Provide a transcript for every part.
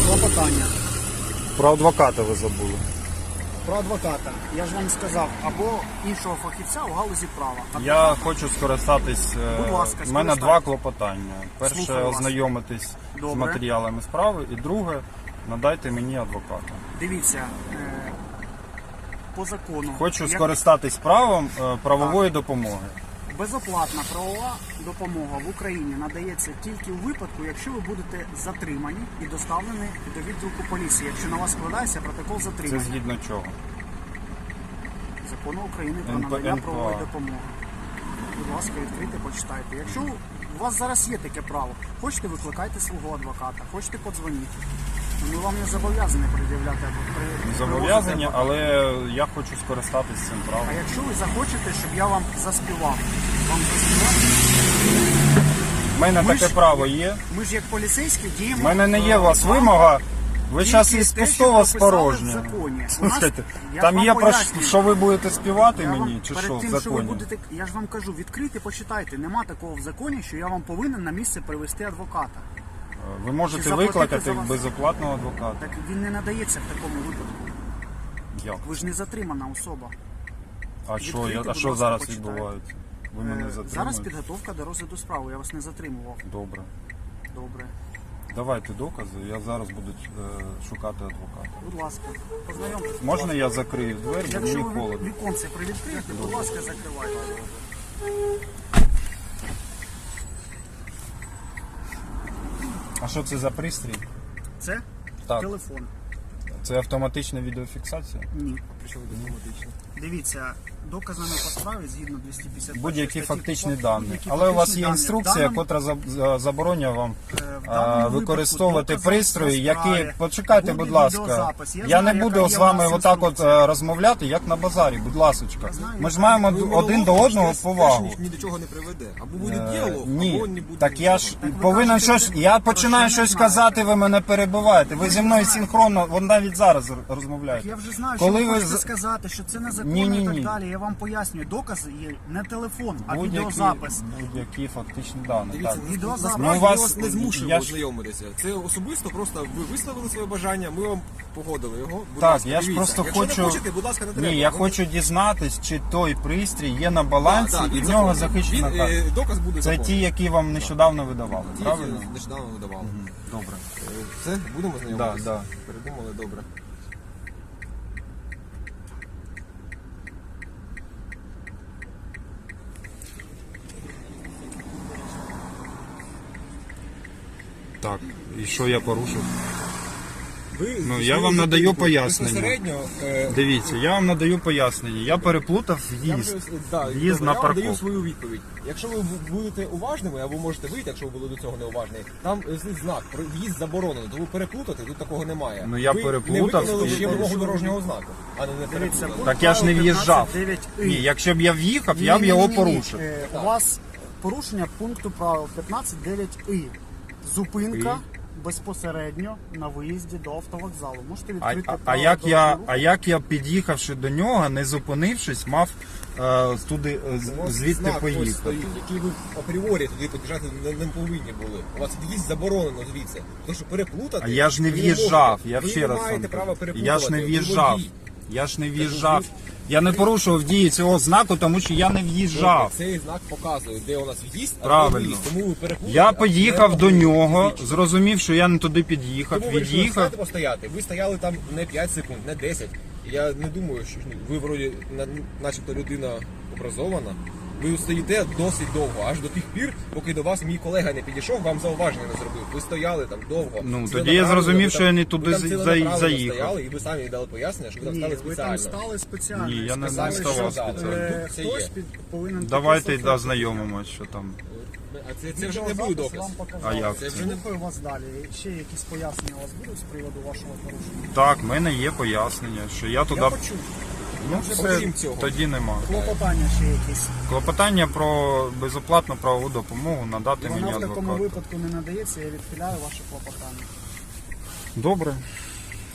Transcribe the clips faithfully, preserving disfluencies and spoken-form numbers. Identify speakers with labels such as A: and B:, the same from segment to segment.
A: Клопотання.
B: Про адвоката ви забули.
A: Про адвоката. Я ж вам сказав, або іншого фахівця у галузі права.
B: Я
A: Адвоката.
B: хочу скористатись. е,
A: Будь ласка,
B: У мене
A: скористайтесь.
B: два клопотання. Перше,
A: Слухаю вас.
B: ознайомитись з
A: Добре.
B: матеріалами справи. І друге, надайте мені адвоката.
A: Дивіться, е, по закону.
B: Хочу
A: як
B: скористатись правом е, правової допомоги.
A: безоплатна правова допомога в Україні надається тільки у випадку, якщо ви будете затримані і доставлені до відділку поліції, якщо на вас складається протокол
B: Це
A: затримання.
B: згідно чого?
A: Закону України про
B: НП-
A: надання
B: НПА.
A: правової допомоги. Будь ласка, відкрийте, почитайте. Якщо у вас зараз є таке право, хочете, викликайте свого адвоката, хочете, подзвоніть. Ми вам не зобов'язані пред'являти при-
B: Зобов'язані,
A: привозити
B: але я хочу скористатись цим правом.
A: А якщо ви захочете, щоб я вам заспівав, вам заспівати?
B: У мене
A: Ми
B: таке
A: ж-
B: право є.
A: Ми ж як поліцейські діємо.
B: У мене не є
A: е,
B: у вас
A: вам
B: вимога. Ви
A: тільки
B: зараз
A: те,
B: із
A: що
B: пустого
A: прописали
B: спорожнє.
A: в законі. У нас-
B: Слухайте,
A: я
B: там
A: вам
B: є про
A: пояснюю.
B: що ви будете співати
A: Я вам-
B: мені, чи
A: перед
B: що в
A: тим, що ви
B: законі?
A: будете, я ж вам кажу, відкрийте, почитайте. Нема такого в законі, що я вам повинен на місце привезти адвоката.
B: Ви
A: Чи
B: можете
A: заплатити
B: викликати
A: за вас?
B: безоплатного адвоката.
A: Так він не надається в такому випадку.
B: Як?
A: Ви ж не затримана особа.
B: А що,
A: Відкрийте,
B: я- а
A: будь
B: що
A: ласка,
B: зараз
A: почитайте.
B: відбувається? Ви мене
A: Е, Зараз
B: затримуєте?
A: підготовка до розгляду справи. Я вас не затримував.
B: Добре.
A: Добре.
B: Давайте докази, я зараз буду е, шукати адвоката.
A: Будь ласка, познайомтесь.
B: Можна я закрию двері, бо
A: Якщо
B: мені
A: ви
B: холодно.
A: віконце привідкриєте, будь ласка, закривайте.
B: А що це за пристрій?
A: Це
B: Так.
A: телефон.
B: Це автоматична відеофіксація?
A: Ні. Дивіться, доказами по справі згідно двісті п'ятдесят першої
B: Будь-які
A: статті
B: фактичні
A: КУпАП,
B: дані.
A: будь-які
B: Але у вас
A: фактичні
B: є
A: дані.
B: інструкція,
A: В даному-
B: котра за- за- забороняє вам
A: е, в
B: а,
A: даному
B: використовувати
A: випадку
B: пристрої,
A: докази по
B: які...
A: справі,
B: Почекайте,
A: буде
B: будь ласка.
A: відеозапис. Я
B: Я не
A: знаю,
B: буду
A: яка
B: з
A: є у
B: вами
A: нас
B: отак от
A: інструкція.
B: е, розмовляти, як на базарі, будь ласочка.
A: знаю,
B: Ми ж
A: яка-
B: маємо
C: Ви
B: один до
C: монолог,
B: одного
C: теж-
B: повагу.
C: теж ні до чого не приведе. Або буде
B: Е,
C: діалог,
B: Ні,
C: або не буде.
B: так я ж
A: ви
B: повинен
A: кажете,
B: щось. Я
A: про
B: починаю
A: що не
B: щось
A: знаєте.
B: казати, ви мене перебиваєте. Ви зі мною
A: знаєте.
B: синхронно, вон навіть зараз розмовляєте.
A: Я вже знаю,
B: Коли
A: що ви
B: ви
A: хочете
B: з-
A: сказати, що це незаконно
B: Ні, ні,
A: і так
B: ні.
A: далі. Я вам пояснюю, докази є не телефон, а
B: Будь-які,
A: відеозапис.
B: будь-які фактичні дані.
C: Дивіться,
B: Так.
A: відеозапис.
C: насправді
B: Ну, у вас-
C: ми вас не змушуємо
B: я ж-
C: ознайомитися. Це особисто просто ви висловили своє бажання, ми вам погодили його. Будь
B: Так,
C: ласка,
B: я ж
C: дивіться.
B: просто
C: Якщо
B: хочу.
C: не хочете, будь ласка, не треба.
B: Ні, я
C: Ви-
B: хочу дізнатись, чи той пристрій є на балансі
C: Так, так,
B: і
C: він
B: в нього
C: законний.
B: захищена
C: Він,
B: карта.
C: е, Доказ буде
B: Це
C: законний.
B: ті, які вам нещодавно видавали,
C: Ті,
B: правильно?
C: які нещодавно видавали.
B: Добре.
C: Е, Все, будемо знайомитися?
B: Да, да.
C: Передумали, добре.
B: Так, і що я порушив?
C: Ви,
B: Ну, я вам надаю пояснення.
C: Безпосередньо, е,
B: Дивіться, я вам надаю пояснення. Я переплутав
C: Я
B: в'їзд.
C: вже, да,
B: В'їзд
C: добре,
B: на
C: я вам даю
B: парковку.
C: свою відповідь. Якщо ви будете уважними, або можете вийти, якщо ви були до цього неуважні, там стоїть знак, про в'їзд заборонено, то ви переплутати, тут такого немає.
B: Ну, я
C: ви
B: переплутав,
C: не виконали
B: і-
C: ще вимогу дорожнього знаку, а не не
A: Дивіться,
C: переплутали.
A: пункт
B: Так я ж не
A: правил
B: в'їжджав.
A: п'ятнадцять дев'ять і.
B: Ні, якщо б я в'їхав, я б
A: Ні,
B: його
A: ні, ні, ні.
B: порушив.
A: Е, У вас порушення пункту правил п'ятнадцять дев'ять і. Зупинка безпосередньо на виїзді до автовокзалу. Можете
B: А,
A: відкрити
B: а, а
A: правила
B: як я,
A: дорожнього руху.
B: а як я під'їхавши до нього, не зупинившись, мав е, туди е, з-
C: У вас
B: звідти
C: знак ось
B: поїхати?
C: стоїть, який ви апріорі туди під'їжджати не, не повинні були. У вас в'їзд заборонено звідси. Тому що переплутати...
B: А я ж не
C: ви
B: в'їжджав,
C: можете.
B: я
C: ви
B: ще
C: не
B: раз вам
C: маєте права
B: кажу.
C: переплутувати.
B: Я ж не
C: ви
B: в'їжджав.
C: водій.
B: Я ж не в'їжджав. Я не порушував дії цього знаку, тому що я не в'їжджав.
C: Цей знак показує, де у нас в'їзд, а де
B: Правильно.
C: виїзд. Тому ви переплутали.
B: Я
C: а
B: поїхав
C: не
B: до
C: могли
B: нього,
C: фізично.
B: зрозумів, що я не туди під'їхав,
C: Тому ви вирішили
B: від'їхав.
C: встати постояти. Ви стояли там не п'ять секунд, не десять. Я не думаю, що ну, ви вроді на- начебто людина образована. Ви стоїте досить довго, аж до тих пір, поки до вас мій колега не підійшов, вам зауваження не зробив. Ви стояли там довго.
B: Ну,
C: Це
B: тоді я
C: направлено,
B: зрозумів,
C: ви
B: що
C: там-
B: я не
C: ви
B: туди
C: там
B: за-
C: ціленаправленно
B: заїхав.
C: стояли, і ви самі дали пояснення, що ви там
A: Ні,
C: стали
A: ви там
C: спеціально.
A: стали спеціально.
B: Ні, я не
A: Сказали,
B: ставав
A: що,
B: спеціально.
A: е,
C: Тут це
A: Хтось
C: є.
A: під- повинен
B: Давайте
A: підписати.
B: дознайомимось, що там.
C: А це, це вже не буде
A: Відеозапис
C: доказ.
A: вам показав.
B: А як
C: це?
A: Це Слухаю вас далі. Ще якісь пояснення у вас будуть з приводу вашого порушення?
B: Так, в мене є пояснення, що я туди.
A: Я почув.
B: Ну,
C: вже
B: все,
C: окрім цього.
B: тоді нема.
A: Клопотання ще якісь.
B: Клопотання про безоплатну правову допомогу надати мені
A: Вона в такому
B: адвоката.
A: випадку не надається, я відхиляю ваше клопотання.
B: Добре.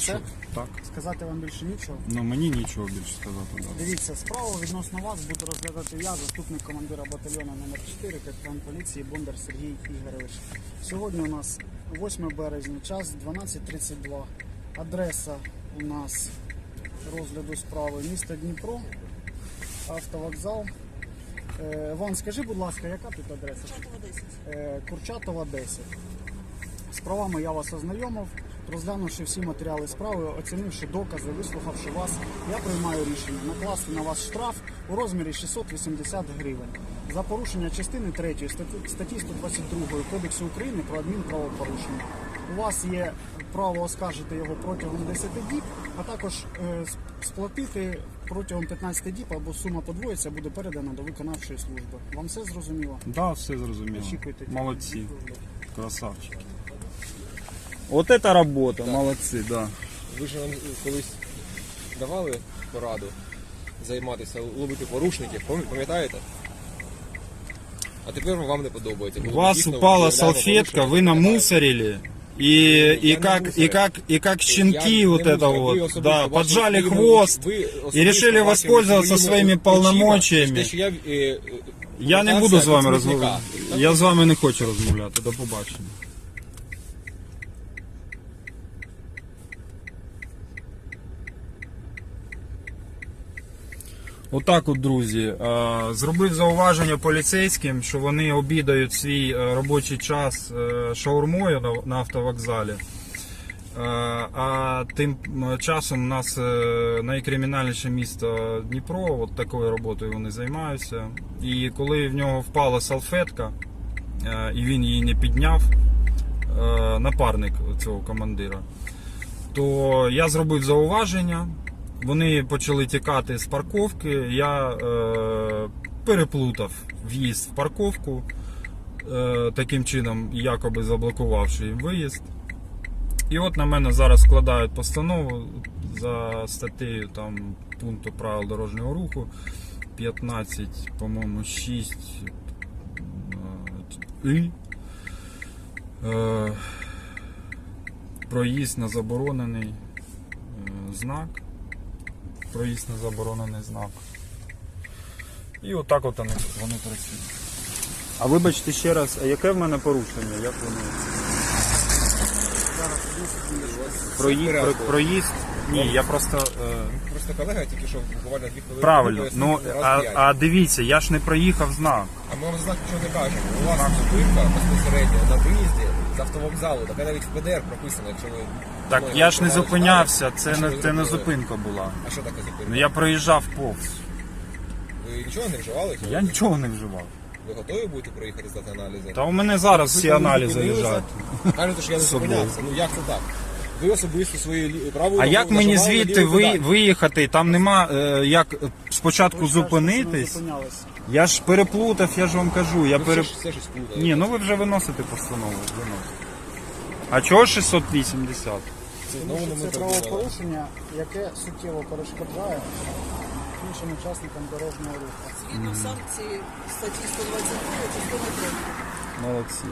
A: Все?
B: Так.
A: Сказати вам більше нічого.
B: Ну мені нічого більше сказати. Да.
A: Дивіться, справу відносно вас буду розглядати я, заступник командира батальйону номер чотири, капітан поліції Бондар Сергій Ігорович. Сьогодні у нас восьме березня, час дванадцять тридцять два. Адреса у нас розгляду справи місто Дніпро, автовокзал. Е, Ван, скажи, будь ласка, яка тут адреса?
D: Курчатова десять.
A: Е, Курчатова десять. З правами я вас ознайомив. Розглянувши всі матеріали справи, оцінивши докази, вислухавши вас, я приймаю рішення накласти на вас штраф у розмірі шістсот вісімдесят гривень за порушення частини третьої статті сто двадцять два Кодексу України про адмінправопорушення. У вас є право оскаржити його протягом десяти діб, а також е, сплатити протягом п'ятнадцяти діб або сума подвоїться, буде передана до виконавчої служби. Вам все зрозуміло?
B: Да, все зрозуміло.
A: Очікуйте.
B: Молодці. Красавчики. От це робота, молодці, да.
C: Ви ж нам колись давали пораду займатися, ловити порушників, пам'ят- пам'ятаєте? А тепер вам не подобається.
B: У
C: Коли
B: вас
C: дійсно
B: упала
C: виявляємо
B: салфетка, вы
C: порушення.
B: намусорили. И, и, как, и, как, и как щенки
C: Я
B: вот
C: не
B: это
C: мусор, ви
B: вот,
C: особисто
B: да,
C: бачили
B: поджали
C: своїми
B: хвост
C: очі- ви
B: и
C: особисто
B: решили
C: бачили
B: воспользоваться
C: своїми
B: своими
C: очима,
B: полномочиями.
C: те, що я, е, е,
B: Я не
C: повертався
B: буду з вами
C: від смітника.
B: розмовляти. Я з вами не хочу розмовляти. До побачення. Отак от, друзі, е, зробив зауваження поліцейським, що вони обідають свій е, робочий час е, шаурмою на- на автовокзалі. Е, А тим часом у нас е, найкримінальніше місто Дніпро, от такою роботою вони займаються. І коли в нього впала салфетка, е, і він її не підняв, е, напарник цього командира, то я зробив зауваження. Вони почали тікати з парковки. Я е, переплутав в'їзд в парковку, е, таким чином, якоби заблокувавши їм виїзд. І от на мене зараз складають постанову за статтею там, пункту правил дорожнього руху п'ятнадцять, по-моєму, шість і е, проїзд на заборонений е, знак. Проїзд на заборонений знак. І отак от вони, вони працюють. А вибачте ще раз, а яке в мене порушення? Як воно? Проїзд, про, проїзд? Ні, я просто... Е...
C: Просто колега тільки що буквально дві хвилини.
B: Правильно,
C: пояснив
B: ну
C: раз
B: а,
C: п'ять.
B: а дивіться, я ж не проїхав знак.
C: А ми вам знак нічого не кажемо. У вас зупинка безпосередньо на виїзді з автовокзалу, така навіть в Пе Де Ер прописано, якщо ви...
B: Так
C: мною
B: я ж не
C: керували
B: зупинявся,
C: справи.
B: це
C: А що
B: не,
C: ви
B: це не
C: зупинили?
B: зупинка була.
C: А що таке зупинка?
B: Ну я проїжджав повз.
C: Ви нічого не вживали?
B: Я нічого не вживав.
C: Ви готові будете проїхати здати аналізи?
B: Та у мене зараз
C: Ви
B: всі
C: коли
B: аналізи
C: зупинилися,
B: лежать.
C: Кажете, що я не
B: З собою.
C: зупинявся. Ну як це так? Ви особисто свої лі- правою
B: А як
C: ногою
B: мені
C: нажимали на
B: звідти
C: лівий
B: ви,
C: педаль.
B: виїхати? Там нема е, як спочатку
A: Ви ж кажете, що не
B: зупинитись.
A: зупинялись.
B: Я ж переплутав, я ж вам кажу. Я
C: Ви
B: пере...
C: все, ж- все щось плутаєте.
B: Ні, ну ви вже виносите постанову. Виносите. А чого шістсот вісімдесят?
C: Це
A: Тому
C: знову
A: що
C: не ми
A: це
C: придумали.
A: правопорушення, яке суттєво перешкоджає іншим учасникам дорожнього руху.
D: Згідно санкції статті сто двадцять два, частини третьої.
B: Молодці.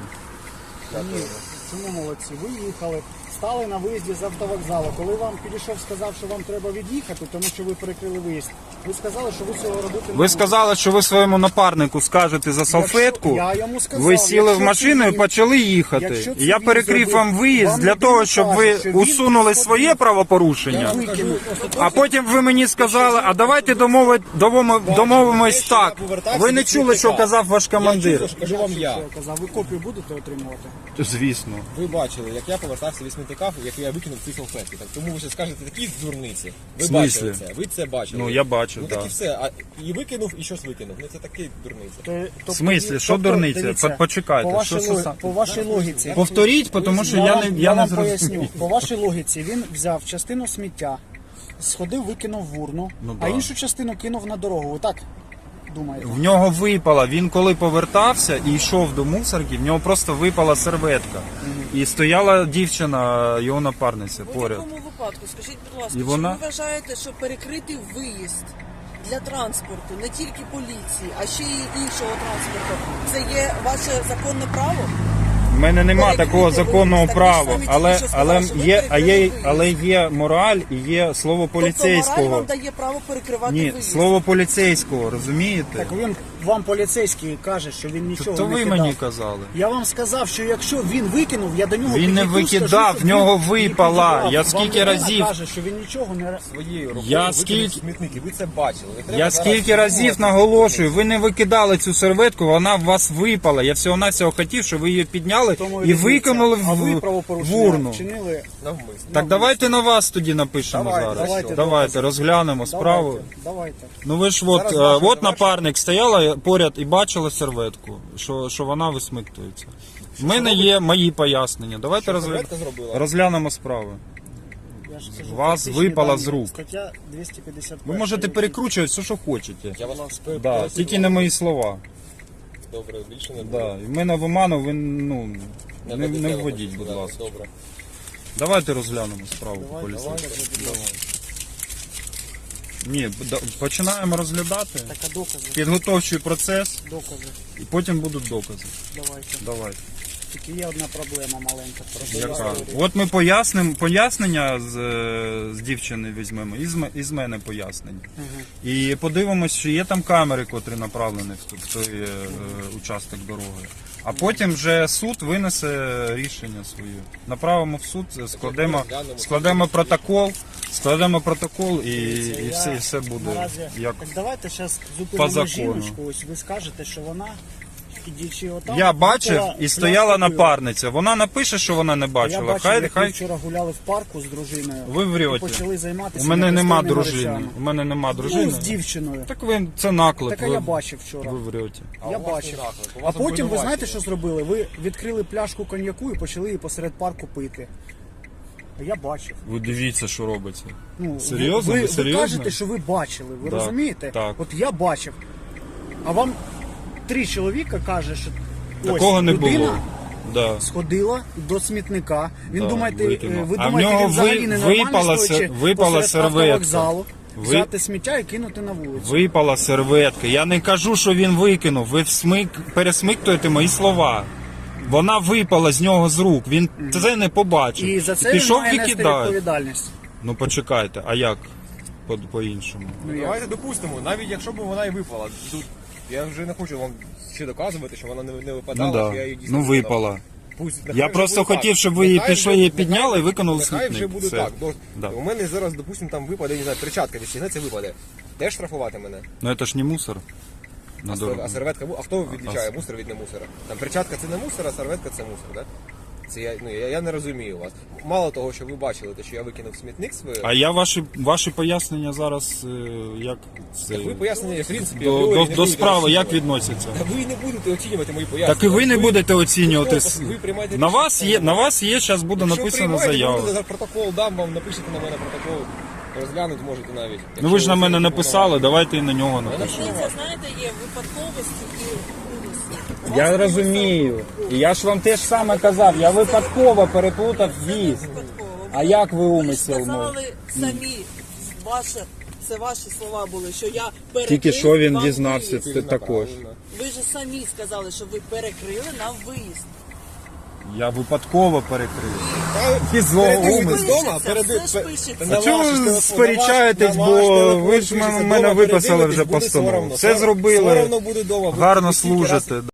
A: Ні, чому молодці? Ви їхали, стали на виїзді з автовокзалу. Коли вам підійшов, сказав, що вам треба від'їхати, тому що ви перекрили виїзд, ви сказали, що ви цього робити не
B: Ви
A: будете.
B: сказали, що ви своєму напарнику скажете за салфетку.
A: я йому сказав,
B: Ви сіли в
A: якщо
B: машину
A: це
B: і
A: він-
B: почали їхати.
A: якщо це
B: І я
A: він
B: перекрив
A: зробив,
B: вам виїзд
A: вам
B: для
A: людина
B: того, щоб
A: каже,
B: ви
A: що він
B: усунули
A: сходив.
B: своє правопорушення.
A: Я викинув.
B: А потім ви мені сказали, а давайте домови- домови- домовимось
C: що я
B: так.
C: повертався
B: Ви не
C: від
B: чули, що
C: смітника.
B: казав ваш
C: Я
B: командир?
C: чув, що кажу вам я.
A: Що я казав, ви копію будете отримувати?
B: Звісно.
C: Ви бачили, як я повертався від смітника, як я викинув ці салфетки. Так тому ви ще скажете такі дурниці. Ви
B: В смислі?
C: бачили це, ви це бачили.
B: Ну, я бачив,
C: Ну
B: да.
C: так і все. А і викинув, і щось викинув. Ну це такі дурниці.
A: Тобто,
B: В смислі? Що
A: тобто,
B: дурниця?
A: дивіться,
B: По- почекайте,
A: По вашій,
B: що- що
A: логі-
B: сам-
A: по вашій логіці.
B: Повторіть, тому що я,
A: вам,
B: не, я не
A: вам
B: зрозумів.
A: поясню. По вашій логіці він взяв частину сміття, сходив, викинув в урну,
B: Ну,
A: а
B: да.
A: іншу частину кинув на дорогу. Ви так думаєте?
B: В нього випала, він коли повертався і йшов до мусорки, в нього просто випала серветка. І стояла дівчина, його напарниця
D: У
B: поряд.
D: такому випадку, скажіть, будь ласка,
B: І
D: чи
B: вона-
D: ви вважаєте, що перекрити виїзд для транспорту, не тільки поліції, а ще й іншого транспорту, це є ваше законне право?
B: В мене нема
D: перекрити
B: такого законного
D: виїзд. Так
B: права,
D: ви ж самі
B: але,
D: тільки що
B: але,
D: сказали, що ви
B: є, а
D: перекрили
B: є,
D: виїзд.
B: але є мораль і є слово
D: Тобто мораль
B: поліцейського.
D: вам дає право перекривати
B: Ні,
D: виїзд.
B: слово поліцейського, розумієте?
A: Так він вам поліцейський каже, що він нічого
B: То
A: не
B: ви
A: кидав.
B: мені казали.
A: Я вам сказав, що якщо він викинув, я до нього
B: Він не
A: підійду,
B: викидав,
A: скажу, що
B: в нього
A: він не
B: випала.
A: підібрав.
B: Я
A: Вам
B: скільки
A: людина
B: разів-
A: каже, що він нічого не...
C: Своєю рукою
B: Я
C: викинув
B: скільки-
C: смітники, ви це бачили. Не треба
B: Я
C: зараз
B: скільки разів
C: думати.
B: наголошую, ви не викидали цю серветку, вона в вас випала. Я всього-навсього хотів, щоб ви її підняли
A: Тому
B: і
A: різниця.
B: викинули
A: А ви
B: в, в
A: правопорушення
B: урну.
A: вчинили.
C: Навмисно.
B: Так давайте на вас тоді напишемо
C: Давайте,
B: зараз.
C: давайте,
B: Давайте, розглянемо справу.
A: Давайте, давайте.
B: Ну ви ж от,
C: Зараз
B: е,
C: ваше
B: от
C: завершення.
B: напарник стояла поряд і бачила серветку, що, що вона висмиктується. У мене є мої пояснення. Давайте
C: Що
B: розгля-
C: серветка зробила?
B: розглянемо справу.
A: Я ж кажу,
B: Вас
A: фактичні
B: випала
A: дані.
B: з рук.
A: Стаття двісті п'ятдесят один.
B: Ви можете перекручувати все, що хочете.
C: Я вас
B: Да, тільки не мої слова.
C: Добре, більше не
B: Да. І в мене в оману ви ну, не, не,
C: ведете,
B: вводіть,
C: ви
B: будь
C: сказали.
B: ласка.
C: Добре.
B: Давайте розглянемо справу
A: Давай,
B: поліцейську.
A: давай.
B: Ні, да- починаємо розглядати.
A: Так, а докази?
B: Підготовчий процес,
A: Докази.
B: і потім будуть докази.
A: Давайте.
B: Давайте.
A: Тільки є одна проблема маленька. Про
B: Яка?
A: історію.
B: От ми пояснимо, пояснення з, е, з дівчини візьмемо, і з, м- і з мене пояснення.
A: Мгм.
B: І подивимось, чи є там камери, котрі направлені в, ту- в той е, е, участок дороги. А потім вже суд винесе рішення своє. Направимо в суд, складемо, складемо протокол, складемо протокол і,
A: Дивіться,
B: і,
A: я
B: все, і все буде
A: наразі-
B: як.
A: Так давайте зараз
B: по
A: зупинимо
B: закону.
A: жіночку. Ось ви скажете, що вона, ідучи отам,
B: Я бачив
A: випила
B: і стояла
A: пляшку пива.
B: напарниця. Вона напише, що вона не
A: Я
B: бачила.
A: бачив,
B: Хай,
A: як ви
B: хай.
A: вчора гуляли в парку з дружиною.
B: Ви врете.
A: І почали займатися
B: У мене нема
A: непристойними
B: дружини.
A: речами.
B: У мене нема
A: Ну,
B: дружини.
A: з дівчиною.
B: Так ви це наклеп.
A: Так а
B: ви,
A: я бачив вчора.
B: ви врете.
C: А
A: Я
C: у вас
A: бачив.
C: не наклеп, у
A: А
C: вас
A: потім ви
C: обвинувачення.
A: знаєте, що зробили? Ви відкрили пляшку коньяку і почали її посеред парку пити. А я бачив.
B: Ви дивіться, що робиться.
A: Ну,
B: Серйозно?
A: Ви,
B: Ви
A: ви,
B: серйозно?
A: кажете, що ви бачили, ви
B: Так,
A: розумієте?
B: так.
A: От я бачив. А вам три чоловіка каже, що
B: Такого
A: ось
B: не
A: людина
B: було. Да.
A: сходила до смітника. Він
B: Да,
A: думаєте,
B: викинув.
A: ви
B: А в
A: думаєте,
B: нього
A: він взагалі
B: ви-
A: ненормально
B: випала
A: стоячи
B: сер- випала
A: посеред
B: серветка.
A: автовокзалу,
B: Ви-
A: взяти сміття і кинути на вулицю.
B: Випала серветка. Я не кажу, що він викинув. Ви всмик... пересмиктуєте мої слова. Вона випала з нього з рук. Він це не побачив.
A: І за це
B: пішов
A: він має нести
B: викидати.
A: відповідальність.
B: Ну почекайте, а як по- по-іншому?
A: Ну, як?
C: Давайте допустимо, навіть якщо б вона і випала. Тут я вже не хочу вам ще доказувати, що вона не, не випадала,
B: Ну
C: що
B: да.
C: я її дійсно
B: Ну
C: викидав.
B: випала.
C: Пусть, нехай
B: Я
C: вже
B: просто
C: буде
B: хотів,
C: так.
B: щоб ви її
C: Нехай
B: пішли,
C: вже-
B: її
C: нехай-
B: підняли і викинули в
C: Нехай
B: смітник.
C: вже буде
B: Все.
C: так. До-
B: Да.
C: У мене зараз, допустимо, там випаде, не знаю, перчатка відстігнеться, випаде. Теж штрафувати мене?
B: Ну це ж не мусор. На
C: А,
B: дорогу.
C: а серветка, му- а хто відлічає
B: а-
C: мусор від не мусора? Там перчатка це не мусор, а серветка це мусор, так? Це я, ну, я, я не розумію вас. Мало того, що ви бачили, те, що я викинув в смітник своє,
B: А я ваші, ваші пояснення зараз е, як це
C: так ви пояснення, в принципі,
B: до,
C: апріорі
B: до,
C: не
B: до
C: будете
B: справи як
C: оцінювати.
B: відносяться?
C: Та ви не будете оцінювати мої пояснення.
B: Так і ви не будете оцінювати.
C: Ви- ви приймаєте
B: На
C: рішення
B: вас є,
C: самі.
B: на вас є, зараз буде
C: Якщо
B: написана
C: приймаєте,
B: заява.
C: будете за протокол дам вам, напишете на мене протокол, розглянути можете навіть.
B: Ну ви ж на мене
C: Якщо
B: написали, давайте і на нього
C: напишу.
B: напишемо.
D: Це, знаєте, є випадковості і умисли.
B: Я розумію. І я ж вам те ж саме казав, я випадково переплутав віз.
D: Випадково.
B: А як ви
D: Ви ж
B: умисел?
D: сказали самі, ваше, це ваші слова були, що я перекрив
B: Тільки що він
D: вам
B: дізнався
D: виїзд.
B: це
C: Правильно.
B: також.
D: Ви ж самі сказали, що ви перекрили нам виїзд.
B: Я випадково перекрив.
C: Та,
B: І злого
C: перед тим, як
B: умислу.
C: ви з дома,
D: Пишеться,
C: перед-
D: все ж
C: пе-
D: пишеться.
C: на
B: А чого
C: ваш
B: ви
C: телефон,
B: сперечаєтесь,
C: на ваш
B: бо
C: телефон
B: ви ж
C: пишеться,
B: мене
C: дома
B: виписали
C: передивитесь,
B: вже
C: буде
B: постанову.
C: соромно.
B: Все зробили.
C: Соромно буде дома. Ви
B: Гарно
C: стільки раз-
B: служите,